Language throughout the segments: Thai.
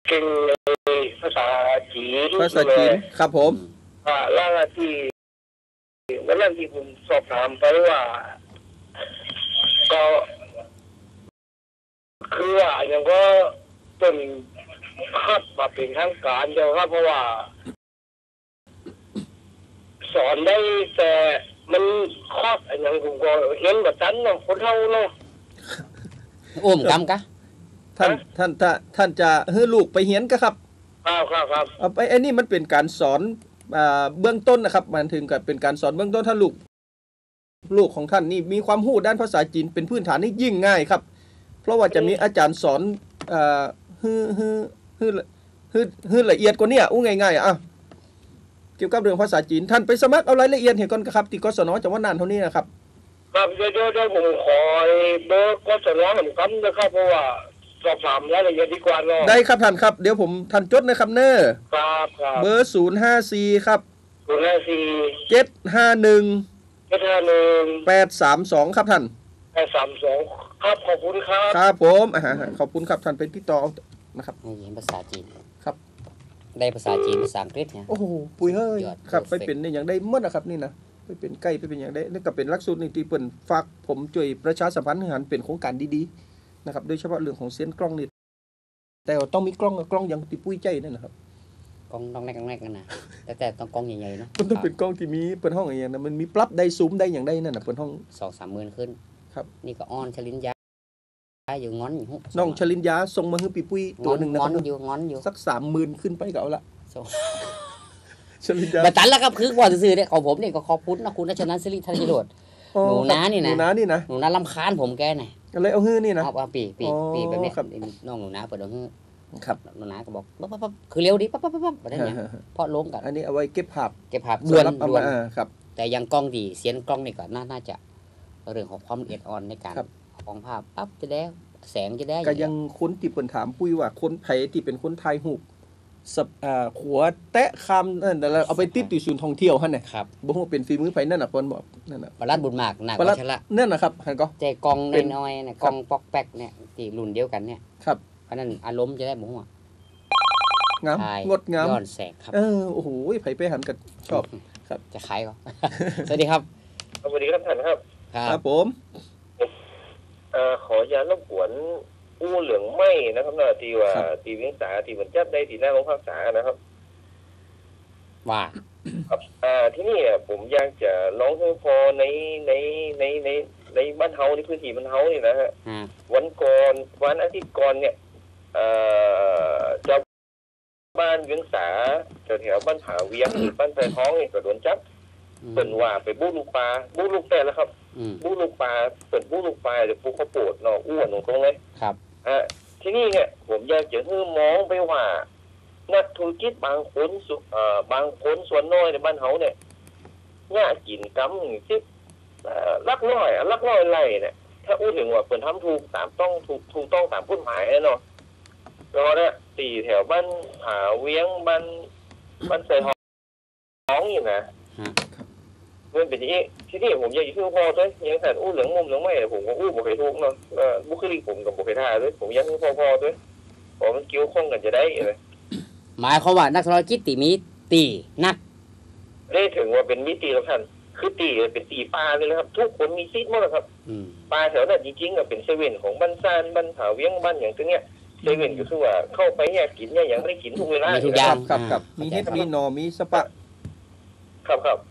เก่งเลยภาษาจีนครับผมแล้วที่วันนั้นที่ผมสอบถามไปว่าก็คือว่าอย่างก็เป็นคัดมาเป็นทางการเดียวครับเพราะว่าสอนได้แต่มันครอบอย่างผมก็เห็นแบบนั้นเนาะคนเท่าเนาะอุ้มกำกะท่านจะให้ลูกไปเฮียนกะครับครับเอาไปไอ้นี่มันเป็นการสอนเบื้องต้นนะครับมันถึงกับเป็นการสอนเบื้องต้นถ้าลูกของท่านนี่มีความรู้ด้านภาษาจีนเป็นพื้นฐานนี่ยิ่งง่ายครับเพราะว่าจะมีอาจารย์สอนฮือละเอียดกว่านี้อู้ง่ายๆเกี่ยวกับเรื่องภาษาจีนท่านไปสมัครเอารายละเอียดเห็นก่อนครับที่กศนจังหวัดน่านเท่านี้นะครับครับเดี๋ยวผมขอเบอร์กศนผมกันนะครับเพราะว่าสอบถามรายละเอียดดีกว่าเนาะได้ครับท่านครับเดี๋ยวผมท่านจดนะครับเน้อครับเบอร์054ครับ 054 751 832ครับท่าน 832ครับขอบคุณครับครับผมขอบคุณครับท่านเป็นติดต่อนะครับเห็นภาษาจีนครับได้ภาษาจีนภาษาอังกฤษเนี่ยโอ้โหปุยเฮ้ยครับไปเป็นอย่างได้เมื่อนะครับนี่นะไปเป็นใกล้ไปเป็นอย่างได้นี่ก็เป็นหลักสูตรนี่ที่เปิ้นฝากผมช่วยประชาสัมพันธ์ให้หันเป็นโครงการดีๆนะครับโดยเฉพาะเรื่องของเสียงกล้องนี่แต่ต้องมีกล้องอย่างที่ปุ้ยใจนั่นนะครับกล้องต้องแรกกันนะแต่ต้องกล้องใหญ่ๆเนาะมันต้องเป็นกล้องที่มีเปิ้นห้องอย่างนั้นมันมีปรับได้ซูมได้อย่างได้นั่นน่ะเปิ้นห้อง 2-3 หมื่นขึ้นครับนี่ก็อ้อนชลินยาอยู่งอนอยู่น้องชลินยาส่งมาให้ปุ้ยตัวนึงนะครับงอนอยู่สัก 30,000 ขึ้นไปก็เอาละชลินยาบัดตันแล้วครับคือว่าซื่อๆเนี่ยของผมเนี่ยก็ขอบคุณนะคุณรัชนันท์ศิริธนโรจน์หนูน้านี่นะหนูน้ารำคาญผมแกน่ะก็เลยเอาฮื้อนี่นะเอาปีแบบนี้น้องหนูน้าเปิดเอาฮื้อครับหนูน้าก็บอกปั๊บคือเร็วดิปั๊บแบบนั้นเนี่ยพอลงกันอันนี้เอาไว้เก็บภาพด่วนครับแต่ยังกล้องดีเสียงกล้องนี่ก็น่าจะเรื่องของความละเอียดอ่อนในการของภาพปั๊บจะได้แสงจะได้ก็ยังคนที่เปิ้นถามปุ้ยว่าคนไผที่เป็นคนถ่ายรูปขัวแตะคำนั่นแล้วเอาไปติดอยู่ศูนย์ท่องเที่ยวหั่นน่ะครับบ่ฮู้เป็นฝีมือไผนั่นน่ะเพิ่นบอกนั่นน่ะปรัดบุญมากหนักกว่าชละนั่นน่ะครับหั่นก็ใจกล้องน้อยๆเนี่ยกล้องปอกแป๊กเนี่ยที่รุ่นเดียวกันเนี่ยครับอันนั้นอารมณ์จะได้บ่ฮู้งามงดงามย้อนแสงครับโอ้โหไผไปหันก็ชอบครับจะขายก็สวัสดีครับสวัสดีครับท่านครับครับผมขออย่ารบกวนอู้เหลืองไหม้นะครับนะที่ว่าที่เวียงสาที่มันจับได้ที่หน้าโรงพักษานะครับว่าครับที่นี่ผมอยากจะร้องเพลงพอในบ้านเฮาในพื้นที่บ้านเฮานี่นะฮะวันอาทิตย์ก่อนเนี่ยเจ้าบ้านเวียงสาแถวบ้านผาเวียงหรือบ้านไทท้องนี่ก็โดนจับเปิ่นว่าไปบู๊ลูกปลาบู๊ลูกแต่แล้วครับบู๊ลูกปลาเปิ่นบู๊ลูกปลาเดี๋ยวปูเขาโปดเนาะอ้วนตรงเลยครับที่นี่เนี่ยผมอยากจะให้มองไปว่านักธุรกิจบางคนส่วนน้อยในบ้านเฮาเนี่ยง่ากินกำที่ลักน้อยไร่เนี่ยถ้าอู้ถึงว่าเปิ่นทำถูกต้องตามกฎหมายเนาะก็เนี่ยตีแถวบ้านผาเวียงบ้านใส่ท้องอยู่นะมันเป็นอย่างนี้ที่นี่ผมอยากจะพูดพอด้วยยังแต่อู้เหลืองมุมเหลืองไม่ผมก็อู้บ่เคยทุกเนาะบุคลิกผมกับบ่เคยท่าด้วยผมอยากให้พอด้วยพอมันเกี่ยวข้องกันจะได้เลยหมายความว่านักธุรกิจตีนักได้ถึงว่าเป็นมิติแล้วท่านคือตีเป็นตีปลาเลยนะครับทุกคนมีซิดหมดครับปลาแถวนั้นจริงๆก็เป็นเซเว่นของบ้านซานบ้านผาเวียงบ้านอย่างตัวเนี้ยเซเว่นก็คือว่าเข้าไปเนี่ยกินเนี่ยยังไม่ได้กินทุกเวลาทุกอย่างครับมีเฮ็ดมีหนอมีสปะครับ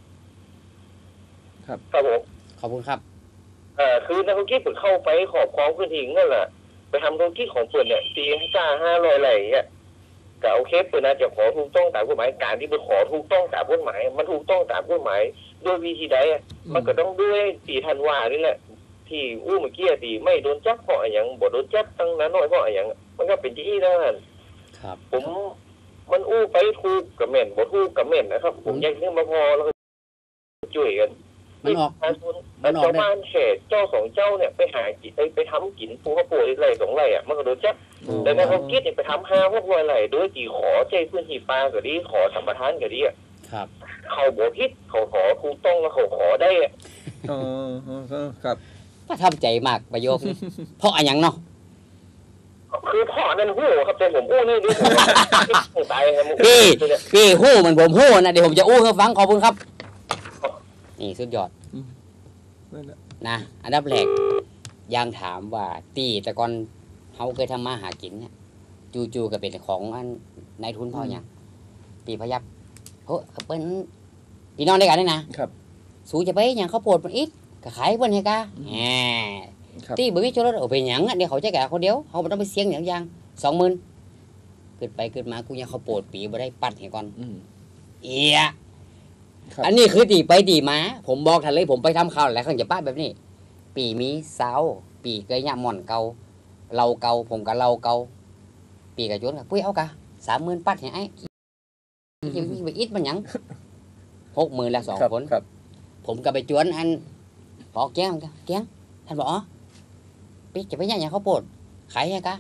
ผมขอบคุณครับคือนักธุรกิจผมเข้าไปขอบของพื้นที่นั่นแหละไปทำธุรกิจของเปิดเนี่ยตีซ่า500ไรเนี่ยก็โอเคเปิดน่าจะขอถูกต้องตามกฎหมายการที่ไปขอถูกต้องตามกฎหมายมันถูกต้องตามกฎหมายด้วยวิธีใดมันก็ต้องด้วยตีธันวานี่แหละที่อู้เมื่อกี้ตีไม่โดนจับเพราะอย่างบ่โดนจับตั้งนั้นน้อยเพราะอย่างมันก็เป็นที่นั่นครับผมมันอู้ไปถูกกับเม่นบ่ถูกกับเม่นนะครับผมอยากเรื่องมาพอแล้วช่วยกันมันออกเจ้าบ้านเขตเจ้าสองเจ้าเนี่ยไปหากินไปทำกินภูเขาป่วยไร2ไร่มันก็โดนจับแต่ในเขาคิดเนี่ยไปทำ5 6 0 0 ไร่โดยที่ขอใจพื้นที่ปลาก็ดีขอสัมปทานก็ดีครับเขาบ่ผิดเขาขอถูกต้องแล้วเขาขอได้ครับประทับใจมากประโยคนี้เพราะอะไรอย่างเนาะคือพ่อนั่นหู้ครับแต่ผมอู้นี่ดิผมตายครับพี่หู้เหมือนผมหู้นะเดี๋ยวผมจะอู้ให้ฟังขอบคุณครับนี่สุดยอดนะอันดับแรกยังถามว่าตีแต่ก่อนเขาเคยทำมาหากินเนี่ยจู่ๆก็เป็นของอันนายทุนพ่อเนี่ยตีพยับเฮ้ยเป็นพี่น้องด้วยกันนี่นะครับสู้จะไปอย่างเขาปวดมันอีกก็ขายเพิ่นให้กะแหมตีบ่มีโจรสเอาไปหยังเดี๋ยวเขาจะแก่คนเดียวเขาบ่ต้องไปเสี่ยงอย่าง 20,000เกิดไปเกิดมากูยังเขาปวดปีบ่ได้ปัดให้ก่อนเอียอันนี้คือตีไปตีมาผมบอกทันเลยผมไปทำข่าวหลายครั้งจะป้าแบบนี้ปีมีสาวปีเกยหยาหม่อนเก่าเราเก่าผมกับเราเก่าปีกับโจรกับปุ้ยเอากะ30,000ปัดให้ไอ้มีไปอิดมันหยัง60,000ละ2คนผมก็ไปจวนอันพอแก้งท่านบอกอ๋อปีจะไปยังอย่างเขาปวดขายยังกะ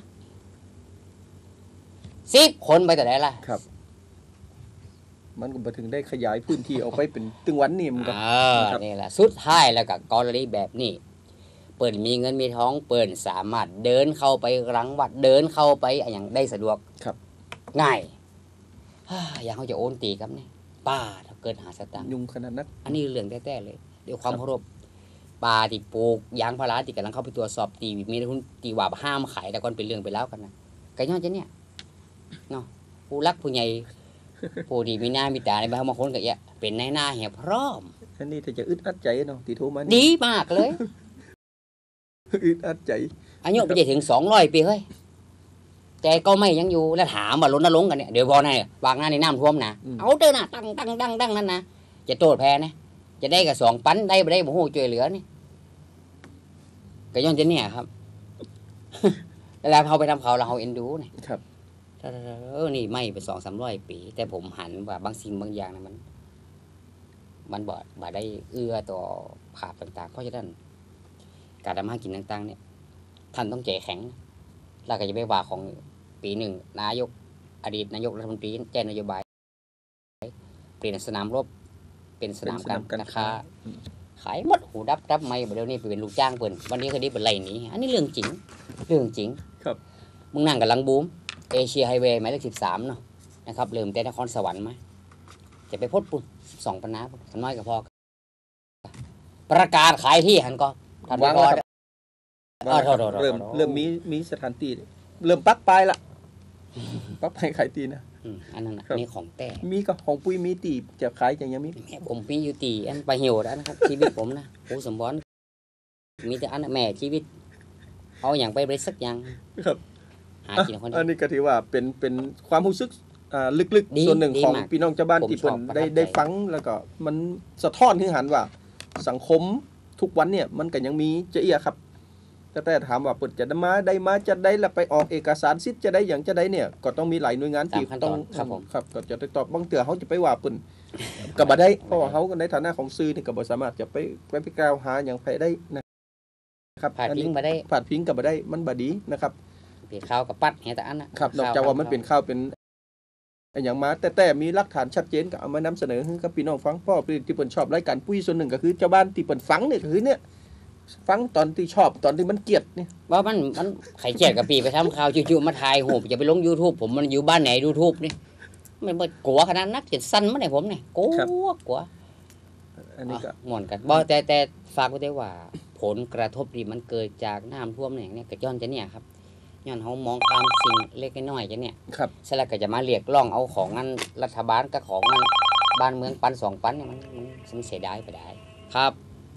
10 คนไปแต่ไหนล่ะครับมันก็ถึงได้ขยายพื้นที่ออกไปเป็นตึงวันนี่มันก็นี่แหละสุดท้ายแล้วก็กรณีแบบนี้เปิดมีเงินมีท้องเปิดสามารถเดินเข้าไปรังวัดเดินเข้าไปอย่างได้สะดวกครับง่ายอย่างเขาจะโอนตีครับเนี่ยป้าถ้าเกิดหาสตางค์ยุ่งขนาดนั้นอันนี้เรื่องแท้ๆเลยเดี๋ยวความเคารพป่าที่ปลูกยางพาราที่กำลังเข้าไปตรวจสอบตีมีทุนตีว่าห้ามขายแต่ก่อนเป็นเรื่องไปแล้วกันนะไก่ย้อนจะเนี่ยเนาะผู้รักผู้ใหญ่ผู้ดีมีหน้ามีตาในบางคนก็เยอะเป็นในหน้าเหี่ยพร้อมอันนี้ถ้าจะอึดอัดใจเนาะตีโทมันดีมากเลยอึดอัดใจอายุไปจะถึง200 ปีเฮ้ยแต่ก็ไม่ยังอยู่แล้วถามว่ารณรงค์กันเนี่ยเดี๋ยวพอไงวางหน้าในน้ำท่วมนะเอาเดินน่ะตั้งนั่นนะจะโทษแพ้นะจะได้กับ2 ปันได้ไม่ได้บ่ฮู้ช่วยเหลือนี่ก็ย้อนจะเนี่ยครับแล้วเขาไปทำเขาเราเอ็นดูนี่ครับนี่ไม่ไป200-300 ปีแต่ผมหันว่าบางสิ่งบางอย่างนะมันบ่ได้เอื้อต่อภาพต่างๆเพราะฉะนั้นการทำมากินต่างๆเนี่ยท่านต้องใจแข็งแล้วก็จะไปว่าของปีหนึ่งนายกอดีตนายกรัฐมนตรีแจ้งนโยบายเปลี่ยนสนามรบเป็นสนามการค้าขายหมดหูดับไม่เดี๋ยวนี้ไปเป็นลูกจ้างเปิ่นวันนี้คดีเป็นไรนี้อันนี้เรื่องจริงครับมึงนั่งกับลังบูมเอเชียไฮเวย์หมายเลข13เนาะนะครับเริ่มแต่นครสวรรค์มาจะไปพดปุ่น2 ปันน้ำน้อยกับพอประกาศขายที่หันก็ทันพอเริ่มมีสถานที่เริ่มปักปลายละปักปลายขายตีนะอันนั้นนี่ของแต่มีก็ของปุ้ยมีตีจะขายอย่างยังมีผมมีอยู่ตีอันไปเหี่ยวแล้วนะครับชีวิตผมนะโอ้สมบูรณ์มีแต่อันแม่ชีวิตเอาอย่างไปบริสักอย่างครับหากินคนอันนี้ก็ถือว่าเป็นความรู้สึกลึกๆส่วนหนึ่งของพี่น้องชาวบ้านที่เพิ่นได้ฟังแล้วก็มันสะท้อนถึงหันว่าสังคมทุกวันเนี่ยมันก็ยังมีเจียครับแต่ถามว่าเปิดจะได้มาจะได้แล้วไปออกเอกสารสิทธิ์จะได้อย่างจะได้เนี่ยก็ต้องมีหลายหน่วยงานที่ต้องครับก็จะตอบบางเตือเขาจะไปว่าเปิ่นก็บ่ได้เพราะว่าเขาในฐานะของสื่อนี่ก็บ่สามารถจะไปกล่าวหาอย่างใครได้นะครับผ่านพิงบ่ได้ผ่านพิงก็บ่ได้มันบ่ดีนะครับเป็นข่าวกับปัดแห่แต่อันนะครับนอกจากว่ามันเป็นข่าวเป็นอย่างมาแต่มีหลักฐานชัดเจนก็เอามานำเสนอให้กับพี่น้องฟังเพราะที่เปิ่นชอบรายการปุ้ยส่วนหนึ่งก็คือเจ้าบ้านที่เปิ่นฟังเนี่ยคือเนี่ยฟังตอนที่ชอบตอนที่มันเกลียดนี่ว่ามันไข่เกลียดกับปีไปทำข่าวจู่ๆมาถ่ายหูจะไปลง YouTube ผมมันอยู่บ้านไหน YouTube นี่มันบ่กลัวขนาดนักเจ็ดสั้นมาไหนผมนี่กลัวอันนี้ก็ม่วนกันบ่แต่ฝากไว้ได้ว่าผลกระทบที่มันเกิดจากน้ำท่วมเนี่ยก็ย้อนจะเนี่ยครับย้อนเฮามองข้ามสิ่งเล็กน้อยจะเนี่ยครับเสร็จแล้วก็จะมาเรียกร้องเอาของงั้นรัฐบาลกับของงั้นบ้านเมืองปัน2 ปันเนี่ยมันเสียดายไปได้ครับ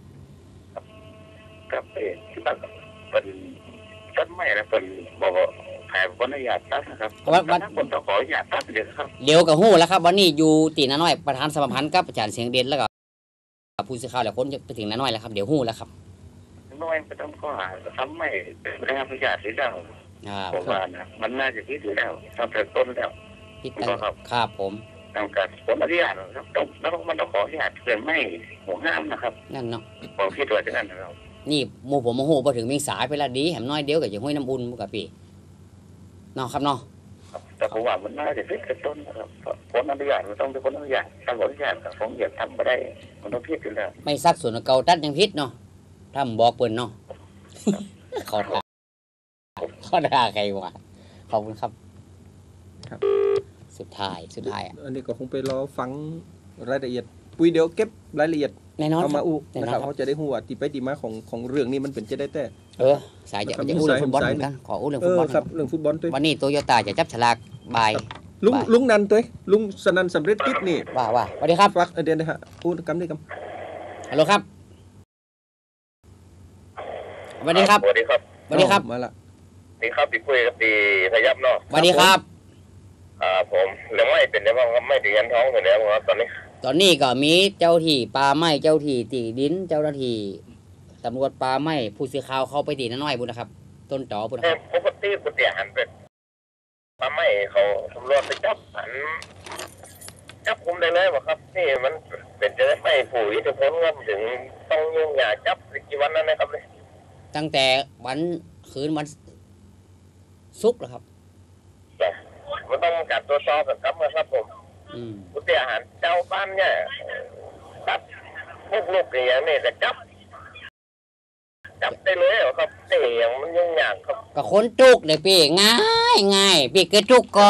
กับที่บ้านเป็นต้นไม้แล้วเป็นบอกแผ่บรรยากาศตัดนะครับวันคนต้องขออนุญาตตัดเดี๋ยวครับเดี๋ยวกับหู้แล้วครับวันนี้อยู่ตีน้าน้อยประธานสมาพันธ์กับอาจารย์เสียงเด่นแล้วก็ผู้สื่อข่าวหลายคนจะไปถึงน้าน้อยแล้วครับเดี๋ยวหู้แล้วครับน้อยไม่ต้องข้อหาทำไม่ได้รับอนุญาตเสียแล้วผมว่านะมันน่าจะคิดอยู่แล้วทำแต่ต้นแล้วครับผมต้องการผลอนุญาตครับต้องแล้วมันต้องขออนุญาตเกินไม่หัวห้ามนะครับนั่นเนาะผมคิดว่าจะนั่นนะครับนี่หมู่ผมโมโหพอถึงเมียงสายไปละดีแหมน้อยเดียวกับอย่างห้วยน้ำอุ่นกับพี่เนาะครับเนาะแต่ผมว่ามันน่าจะคิดแต่ต้นนะครับผลอนุญาตมันต้องเป็นผลอนุญาตการอนุญาตผมอยากทำมาได้มันต้องพิจอยู่แล้วไม่ซักส่วนเก่าตัดยังพิษเนาะถ้าบอกเปิ่นเนาะขอด่าใครวะขอบคุณครับครับสุดท้ายอะอันนี้ก็คงไปรอฟังรายละเอียดปุ้ยเดี๋ยวเก็บรายละเอียดแน่นอนเอามาอู้แน่นอนนะครับครับเขาจะได้หัวตีไปตีมาของเรื่องนี้มันเป็นจะได้แต่สายจะนะครับอู้เรื่องฟุตบอลสายเหมือนกันขออู้เรื่องเอฟุตอบอลครับเรื่องฟุตบอลตัววันนี้โตโยต้าจะจับฉลากบ่ายลุงนันตัวลุงสนันสำเร็จกิจนี่ว่าสวัสดีครับฟักเดือนนะฮะพูดกำได้กฮัลโหลครับสวัสดีครับสวัสดีครับำสวัสดีครับมาละนี่ครับพี่ปุ้ยกับพี่พยับเนาะสวัสดีครับผมเรื่องไม่เป็นได้บ้างครับไม่ถึงยันท้องเป็นแล้วครับตอนนี้ตอนนี้ก็มีเจ้าที่ป่าไม้เจ้าที่ตีดินเจ้าหน้าที่ตำรวจป่าไม้ผู้สื่อข่าวเข้าไปตีน้อยบุญนะครับ ต้นต่อบุญนะครับปกติปกติหันเป็นทำไมเขาตำรวจไปจับหันจับคุมได้เลยวะครับนี่มันเป็นจะได้ไม่ผู้อิทธิพลครับถึงต้องยุ่งยากจับกี่วันนั้นนะครับเลยตั้งแต่วันคืนวันศุกร์เหรอครับมันต้องการตรวจสอบครับครับผมอืมปกติอาหารเจ้าบ้านเนี่ยจับพวกลูกอย่างนี้จะจับได้เลยเหรอครับแต่อย่างมันยุ่งยากครับก็คนจุกเลยพี่ง่ายพี่เกิดจุกก็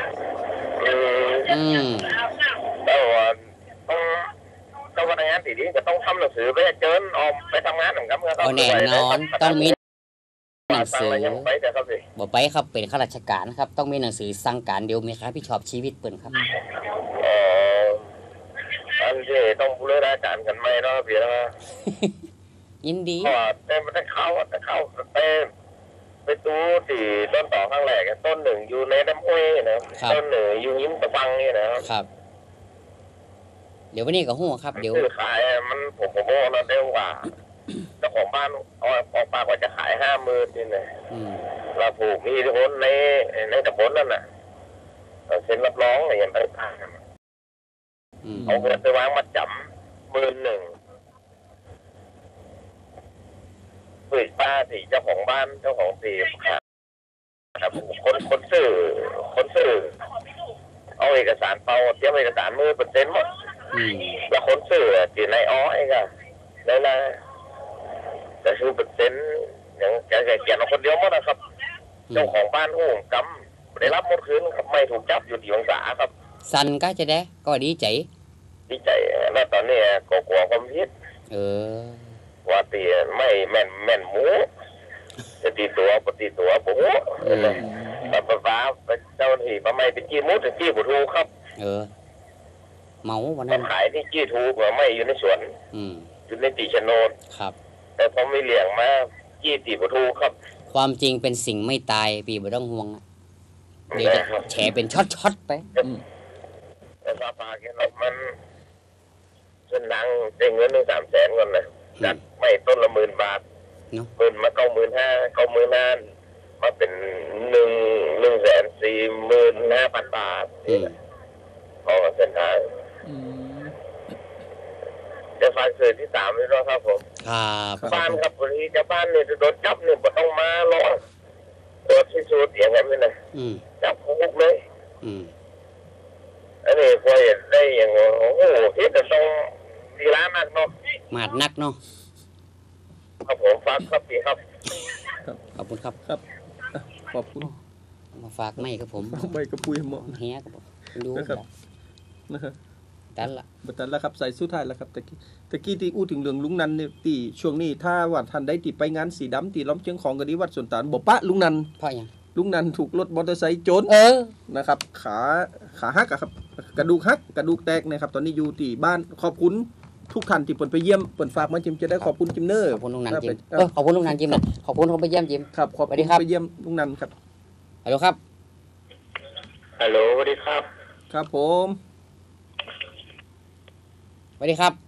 อืมแต่ว่าต้องพนักงานที่ดีก็ต้องทำหนังสือไปเชิญออกไปทำงานเหมือนกันครับเอาแน่นอนต้องมีหนังสือยังไปแต่ครับพี่บอกไปครับเป็นข้าราชการครับต้องมีหนังสือสั่งการเดียวมีครับพี่ชอบชีวิตเปิ่นครับอันที่ต้องบูรณาการกันไหมเนาะพี่นะยินดีเพราะว่าแต่เข้าไปดูที่ต้นต่อข้างแรกต้นหนึ่งอยู่ในน้ำห้วยนะต้นหนึ่งอยู่ยิ้มตะบังนี่นะครับเดี๋ยววันนี้ก็หัวครับเดี๋ยวซื้อขายมันผมบอกนะเร็วกว่าเจ้าของบ้านออกปากว่าจะขาย50,000นี่นะอืมเราผูกมีคนในตำบลนั่นน่ะเซ็นรับรองอะไรอย่างต่างอืมๆเอาเงินไปวางมาจำ11,000เปิดป้าที่เจ้าของบ้านเจ้าของที่ครับคนซื้อเอาเอกสารเปล่าเตรียมเอกสาร10,000หมดอืมแล้วคนซื้อที่ในอ้อยก็ได้ละแต่คืออย่างแกเขียนเอาคนเดียวหมดนะครับ เจ้าของบ้านโอ้กำได้รับหมดคืนครับไม่ถูกจับอยู่ที่องศาครับสันก็จะได้ก็ดีใจดีใจแล้วตอนนี้ก็กลัวความผิดเออว่าตีไม่แม่นหมูจะตีตัวปฏิตัวโอ้โหแต่ฟ้าเจ้าหน้าที่ไม่ไปจี้มุดจี้บุทูครับเออเมาวันมานั้นขายที่จี้ทูไม่อยู่ในสวนอืมอยู่ในตีชโนดครับแต่พอไม่เลี้ยงมาจี้ตีบุทูครับความจริงเป็นสิ่งไม่ตายปีบ่ต้องห่วงอะเดี๋ยวจะแฉเป็นช็อตๆไปแต่ฟ้าแกเรามันส่วนนังได้เงิน1-300,000ก่อนนะจัดไม่ต้นละ10,000 บาทเนาะหมื่นมา95,000มาเป็น1,445,000 บาทอืมของเส้นทางอืมจะฟังสื่อที่3นี่เนาะครับผมครับบ้านครับวันนี้จะบ้านเนี่ยจะโดนจับเนี่ยบ่ต้องมารอตรวจที่สุดอย่างนั้นเลยนะอืมจับคุกเลยอืมอันนี้พอเห็นได้อย่างโอ้โหที่จะต้องดีร้านนักเนาะมาดนักเนาะครับผมฟังครับพี่ครับขอบคุณครับครับขอบคุณมาฝากไม่ครับผมใบกระปุยเหมาะแฮครับผมดูนะครับ นะครับดันละบัดนั้นแล้วครับใส่สุดท้ายแล้วครับตะกี้ที่อู้ถึงเรื่องลุงนันเนี่ยตีช่วงนี้ถ้าว่าท่านได้ติไปงานสีดำตีล้อมเชียงของกะดีวัดสวนตาลบ่ปะลุงนันเพราะหยังลุงนันถูกรถมอเตอร์ไซค์ชนเออนะครับ ขาหักอะครับกระดูกหักกระดูกแตกนะครับตอนนี้อยู่ที่บ้านขอบคุณทุกท่านที่เปิดไปเยี่ยมเปิดฝากมาจิมจะได้ขอบคุณจิมเนอร์ขอบคุณลุงนันจิมขอบคุณลุงนันจิมนะขอบคุณเขาไปเยี่ยมจิมครับขอบสวัคุสดีณครับไปเยี่ยมลุงนันครับฮัลโหลครับฮัลโหลสวัสดีครับครับผมสวัสดีครับ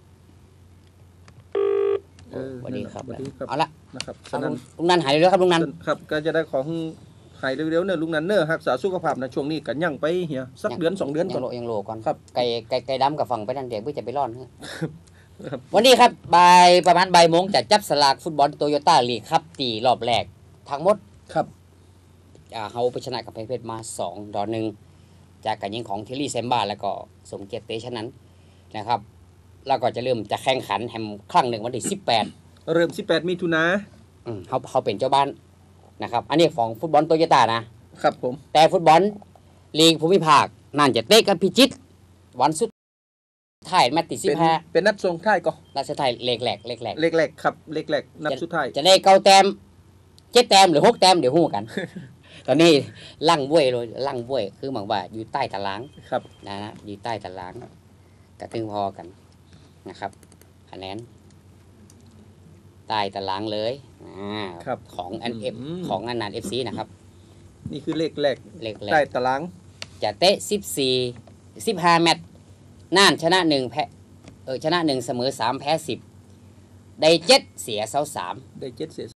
เออสวัสดีครับสวัสดีครับเอาละนะครับเอาฉะนั้นลุงนันหายเร็วๆครับลุงนันครับก็จะได้ของหายเร็วๆเนี่ยลุงนันเนอร์รักษาสุขภาพนะช่วงนี้กันยั่งไปเฮียสักเดือน2 เดือนก่อนยังโลก่อนครับไก่ดำกับฝั่งไปนั่นเดี๋ยวเพื่อจะไปร่อนฮะวันนี้ครับประมาณบ่ายโมงจะจับสลากฟุตบอลโตโยต้าลีกครับตีรอบแรกทั้งหมดครับเฮาไปชนะกับเพชรมา2-1จากการยิงของเทลลี่เซมบ้าแล้วก็สมเกียรติเตชะนั้นนะครับแล้วก็จะเริ่มจะแข่งขันแฮมครั้งหนึ่งวันที่18 เริ่ม18มิถุนาเขาเป็นเจ้าบ้านนะครับอันนี้ของฟุตบอลโตโยต้านะครับผมแต่ฟุตบอลลีกภูมิภาคนั่นจะเตะกันพิจิตรวันสุดท้ายแมตช์ที่15 เป็นนัดส่งท้ายก็นัดสุดท้ายเลขแรกครับเลขแรกนัดสุดท้ายจะได้9 แต้ม7 แต้มหรือ6 แต้มเดี๋ยวฮู้กัน ตอนนี้ลั่งบ้วยเลยลั่งบ้วยคือหมายว่าอยู่ใต้ตารางครับนะอยู่ใต้ตารางกระทึงพอกันนะครับคะแนนใต้ตารางเลยของอันเอฟของอันนาน FC นะครับนี่คือเลขแรกใต้ตารางจะเตะ15 แมตช์น่านชนะ1แพ้ชนะ1เสมอ3แพ้10ได้7เสีย23 ได้7เสีย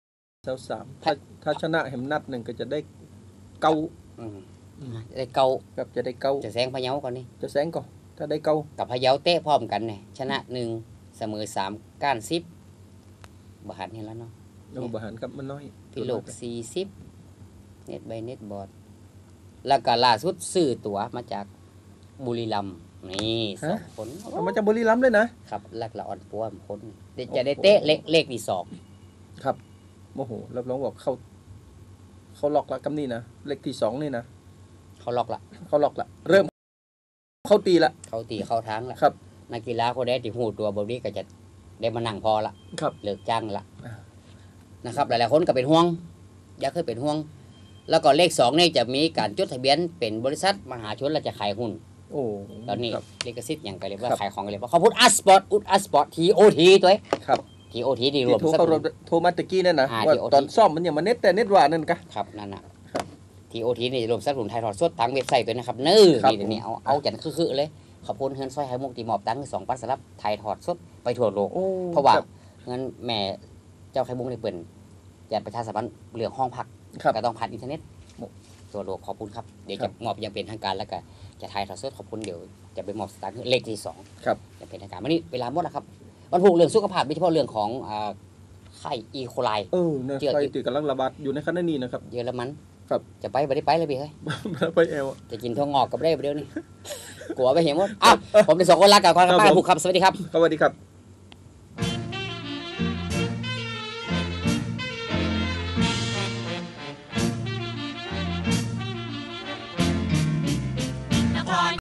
23ถ้าชนะแหมนัด1ก็จะได้เก้าได้เก้ากับจะได้เก้าจะแซงพะเยาก่อนนี่จะแซงก่อนถ้าได้เก้ากับพะเยาเตะพร้อมกันเนี่ยชนะ1เสมอ3ก้าน10บหันนี่แล้วเนาะบหันครับมันน้อยพี่โลก40เน็ตใบเน็ตบอร์ดแล้วก็ล่าสุดซื้อตั๋วมาจากบุรีรัมย์นี่2 คนมาจากบุรีรัมย์เลยนะครับแลกละอ่อนปัวคนจะได้เตะเลขที่2 ครับโอ้โหรับรองบอกเขาล็อกละกำนี่นะเลขที่2นี่นะเขาล็อกละเริ่มเขาตีเข้าทางละครับนักกีฬาคนใดที่หูตัวบ่นี้ก็จะได้มานั่งพอละเลิกจ้างละนะครับหลายๆคนก็เป็นห่วงอยากเคยเป็นห่วงแล้วก็เลข2นี่จะมีการจดทะเบียนเป็นบริษัทมหาชนแล้วจะขายหุ้นตอนนี้ลิขสิทธิ์อย่างก็เรียกว่าขายของกันเลยเพราะเขาพูดอัสปอร์ตTOT ตัวครับ TOT ที่รวมโทรมาตะกี้นั่นนะว่าตอนซ่อมมันอย่างมาเน็ตแต่เน็ตว่านั่นกะครับนั่นน่ะTOT นี่รวมสนับสนุนไทยถอดสดทางเว็บไซต์ตัวนะครับนี่เอาจันคือเลยขอบคุณเฮือนซอยไฮมุกตีหมอบตั้ง2,000สำหรับไทยถอดสดไปทั่วโลกเพราะว่าเงินแม่เจ้าไข่มุกได้เปิ่นจะประชาสัมพันธ์เรื่องห้องพักก็ต้องผ่านอินเทอร์เน็ตตัวโลกขอบคุณครับเดี๋ยวจะมอบยังเป็นทางการแล้วก็จะไทยถอดสดขอบคุณเดี๋ยวจะไปมอบสตางค์เลขที่2 ครับจะเป็นทางการวันนี้เวลาหมดแล้วครับวันพุธเรื่องสุขภาพโดยเฉพาะเรื่องของไข้อีโคไลไข้ที่กำลังระบาดอยู่ในขณะนี้นะครับเยอรมันครับจะไปไม่ได้ไปเลยพี่เฮ้ยไปเอวจะกินถั่วงอกกับได้เดี๋ยวนี้กลัวไปเห็นหมดอ้าวผมเป็น2 คนรักกับความรักผูกครับสวัสดีครับสวัสดีครับ